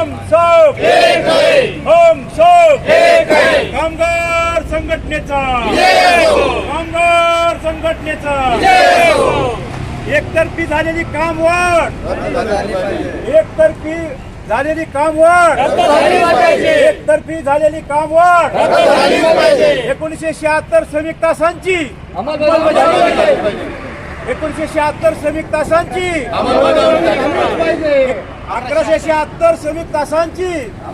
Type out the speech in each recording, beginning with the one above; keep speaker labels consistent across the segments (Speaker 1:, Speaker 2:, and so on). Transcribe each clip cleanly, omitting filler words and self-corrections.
Speaker 1: हम सब एक है, हम सब एक है. कामगार संघटनेचा कामगार संघटनेचा एकतर्फी झालेली कामवाढ एकतर्फी झालेली कामवाढ एकतर्फी झालेली कामवाढ 1976 श्रमिक तासांची 1976 श्रमिक तासांची 1176 श्रमिक तासांची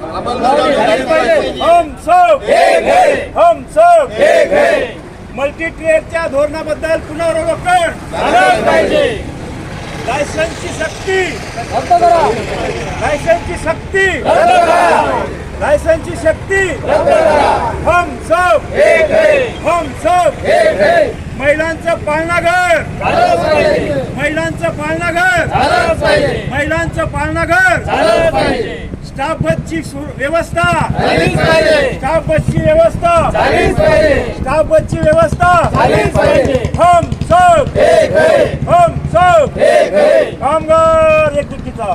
Speaker 1: हम सब एक है, हम सब एक है. मल्टी ट्रेडच्या धोरणाबद्दल पुनरावलोकन झालंच पाहिजे. लायसन्सची सक्ती लायसन्सची सक्ती लायसन्सची शक्ती हम सब एक है, हम सब एक है. महिलांचं पालनाघर महिलांचं पालनाघर महिलांचं पालनाघर स्टाफ बसची व्यवस्था स्टाफ बसची व्यवस्था स्टाफ बसची व्यवस्था हम सब एक है, हम सब एक है. कामगार एकजुटीचा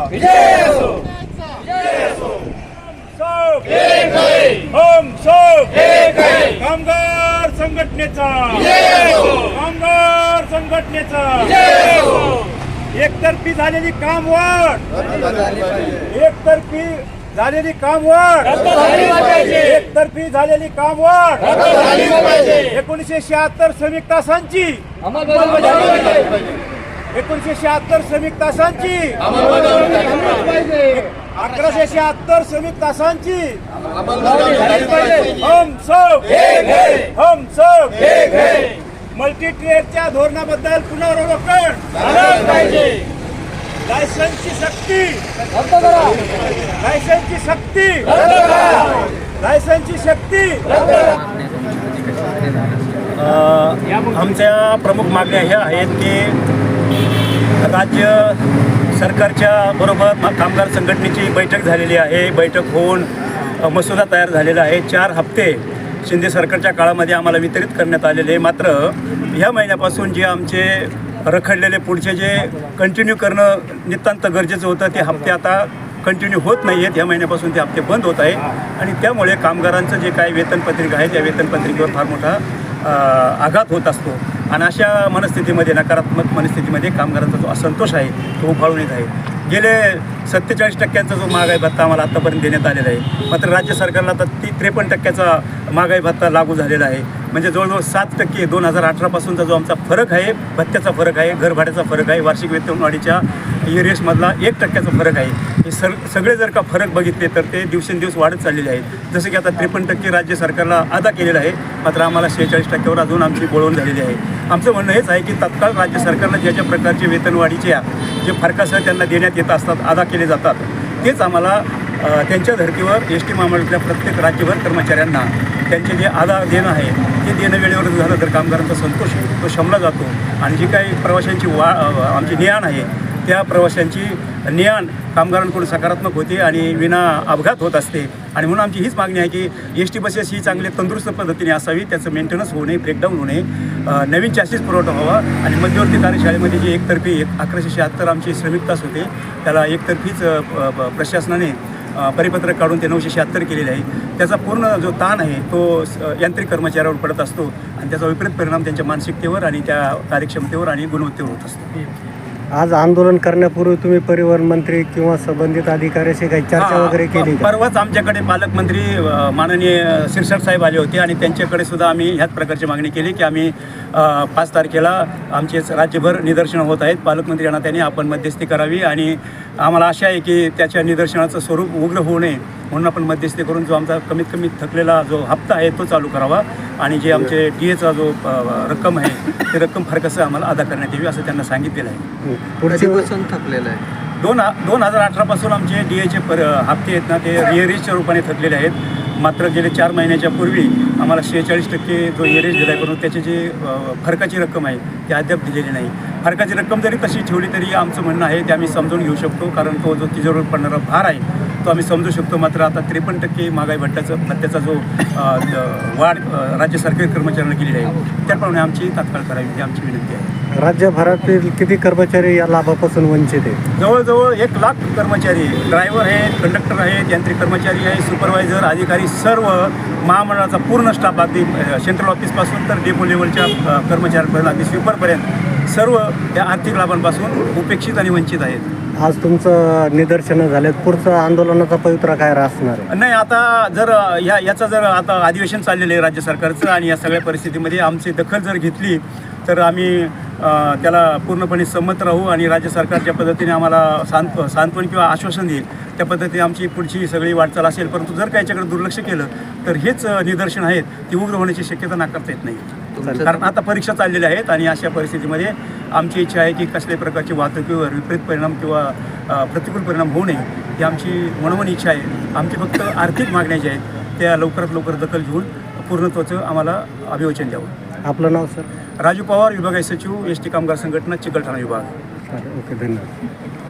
Speaker 1: सब एक है, हम सब एक है. कामगार संघटनेचा कामगार संघटनेचा एकतर्फी झालेली कामवाढ एकतर्फी झालेली कामवाढ एकतर्फी झालेली कामवाढ 1976 श्रमिक तासांची 1976 श्रमिक तासांची 1176 श्रमिक तासांची हम सब एक है, हम सब एक है. मल्टी ट्रेडच्या धोरणाबद्दल पुनरावलोकन झालंच पाहिजे. लायसन्सची सक्ती लायसन्सची सक्ती लायसन्सची शक्ती
Speaker 2: आमच्या प्रमुख मागण्या ह्या आहेत की राज्य सरकारच्या बरोबर कामगार संघटनेची बैठक झालेली आहे. बैठक होऊन मसुदा तयार झालेला आहे. 4 हप्ते शिंदे सरकारच्या काळामध्ये आम्हाला वितरित करण्यात आलेले. मात्र ह्या महिन्यापासून जे आमचे रखडलेले पुढचे जे कंटिन्यू करणं नितांत गरजेचं होतं ते हप्ते आता कंटिन्यू होत नाही आहेत. ह्या महिन्यापासून ते हप्ते बंद होत आहे आणि त्यामुळे कामगारांचं जे काही वेतनपत्रिका आहे त्या वेतनपत्रिकेवर फार मोठा आघात होत असतो आणि अशा मनस्थितीमध्ये नकारात्मक मनस्थितीमध्ये कामगारांचा जो असंतोष आहे तो उफाळून येत आहे. गेले 47% जो महागाई भत्ता आम्हाला आत्तापर्यंत देण्यात आलेला आहे. मात्र राज्य सरकारला आता 53% महागाई भत्ता लागू झालेला आहे. म्हणजे जवळजवळ 7% 2018पासूनचा जो आमचा फरक आहे भत्त्याचा फरक आहे घरभाड्याचा फरक आहे वार्षिक वेतनवाढीच्या ERS-मधला 1%चा फरक आहे. हे सगळे जर का फरक बघितले तर ते दिवसेंदिवस वाढत चाललेले आहेत. जसं की आता 53% राज्य सरकारला अदा केलेलं आहे मात्र आम्हाला 46%वर अजून आमची बोलवण झालेली आहे. आमचं म्हणणं हेच आहे की तत्काळ राज्य सरकारला ज्या ज्या प्रकारचे वेतनवाढीच्या जे फरकासह त्यांना देण्यात येत असतात अदा केले जातात तेच आम्हाला त्यांच्या धर्तीवर ST महामंडळातल्या प्रत्येक राज्यभर कर्मचाऱ्यांना त्यांचे जे अदा देणं आहे ते देणं वेळेवर झालं तर कामगारांचा संतोष तो शमला जातो आणि जी काही प्रवाशांची आमची ने-आण आहे त्या प्रवाशांची ने-आण कामगारांकडून सकारात्मक होते आणि विना अपघात होत असते. आणि म्हणून आमची हीच मागणी आहे की ST बसेस ही चांगली तंदुरुस्त पद्धतीने असावी. त्याचं मेंटेनन्स होऊ नये ब्रेकडाऊन होऊ नये नवीन चॅसिस पुरवठा व्हावा आणि मध्यवर्ती कार्यशाळेमध्ये जे एकतर्फी 1176 आमचे श्रमिक तास होते त्याला एकतर्फीच प्रशासनाने परिपत्रक काढून ते 976 केलेले आहे. त्याचा पूर्ण जो ताण आहे तो यांत्रिक कर्मचाऱ्यावर पडत असतो आणि त्याचा विपरीत परिणाम त्यांच्या मानसिकतेवर आणि त्या कार्यक्षमतेवर आणि गुणवत्तेवर होत असतो.
Speaker 3: आज आंदोलन करण्यापूर्वी तुम्ही परिवहन मंत्री किंवा संबंधित अधिकाऱ्याशी काही चर्चा वगैरे केली?
Speaker 2: परवाच आमच्याकडे पालकमंत्री माननीय शिरसाट साहेब आले होते आणि त्यांच्याकडे सुद्धा आम्ही ह्याच प्रकारची मागणी केली की आम्ही 5 तारखेला आमचे राज्यभर निदर्शनं होत आहेत. पालकमंत्री यांना त्यांनी आपण मध्यस्थी करावी आणि आम्हाला आशा आहे की त्याच्या निदर्शनाचं स्वरूप उग्र होऊ नये म्हणून आपण मध्यस्थी करून जो आमचा कमीत कमी थकलेला जो हप्ता आहे तो चालू करावा आणि जे आमचे DAचा जो रक्कम आहे ते रक्कम फरकसं आम्हाला अदा करण्यात यावी असं त्यांना सांगितलेलं आहे.
Speaker 3: पुढची
Speaker 4: थकलेलं आहे
Speaker 2: 2018पासून आमचे DAचे हप्ते आहेत ना ते ERS-च्या रूपाने थकलेले आहेत. मात्र गेले 4 महिन्याच्या पूर्वी आम्हाला 46% जो ERS दिला आहे परंतु त्याची जी फरकाची रक्कम आहे ती अद्याप दिलेली नाही. फरकाची रक्कम जरी तशी ठेवली तरी आमचं म्हणणं आहे ते आम्ही समजून घेऊ शकतो कारण तो जो तिजोरीवर पडणारा भार आहे तो आम्ही समजू शकतो. मात्र आता 53% महागाई भत्त्याचा जो वाढ राज्य सरकारी कर्मचाऱ्यांना केलेली आहे त्याप्रमाणे आमची तात्काळ करावी ही आमची विनंती आहे.
Speaker 3: राज्यभरातील किती कर्मचारी या लाभापासून वंचित आहेत?
Speaker 2: जवळजवळ 1,00,000 कर्मचारी, ड्रायव्हर आहेत, कंडक्टर आहेत, यांत्रिक कर्मचारी आहेत, सुपरवायझर, अधिकारी, सर्व महामंडळाचा पूर्ण स्टाफ, अगदी सेंट्रल ऑफिसपासून तर डेपो लेवलच्या कर्मचाऱ्यांपर्यंत, अगदी स्वीपरपर्यंत सर्व या आर्थिक लाभांपासून उपेक्षित आणि वंचित आहेत.
Speaker 3: आज तुमचं निदर्शनं झालेत, पुढचं आंदोलनाचा पवित्रा काय असणार आहे?
Speaker 2: नाही, आता जर याचा जर आता अधिवेशन चाललेलं आहे राज्य सरकारचं आणि या सगळ्या परिस्थितीमध्ये आमची दखल जर घेतली तर आम्ही त्याला पूर्णपणे संमत राहू आणि राज्य सरकार ज्या पद्धतीने आम्हाला सांत्वन किंवा आश्वासन देईल त्या पद्धतीने आमची पुढची सगळी वाटचाल असेल. परंतु जर का याच्याकडे दुर्लक्ष केलं तर हेच निदर्शन आहेत ती उग्र होण्याची शक्यता नाकारता येत नाही. कारण आता परीक्षा चाललेल्या आहेत आणि अशा परिस्थितीमध्ये आमची इच्छा आहे की कसल्याही प्रकारची वाहतुकीवर विपरीत परिणाम किंवा प्रतिकूल परिणाम होऊ नये ही आमची मनोमन इच्छा आहे. आमची फक्त आर्थिक मागण्या ज्या आहेत त्या लवकरात लवकर दखल घेऊन पूर्णत्वाचं आम्हाला अभिवचन द्यावं.
Speaker 3: आपलं नाव सर?
Speaker 2: राजू पवार, विभागीय सचिव, एस टी कामगार संघटना, चिकलठाणा विभाग.
Speaker 3: ओके, धन्यवाद.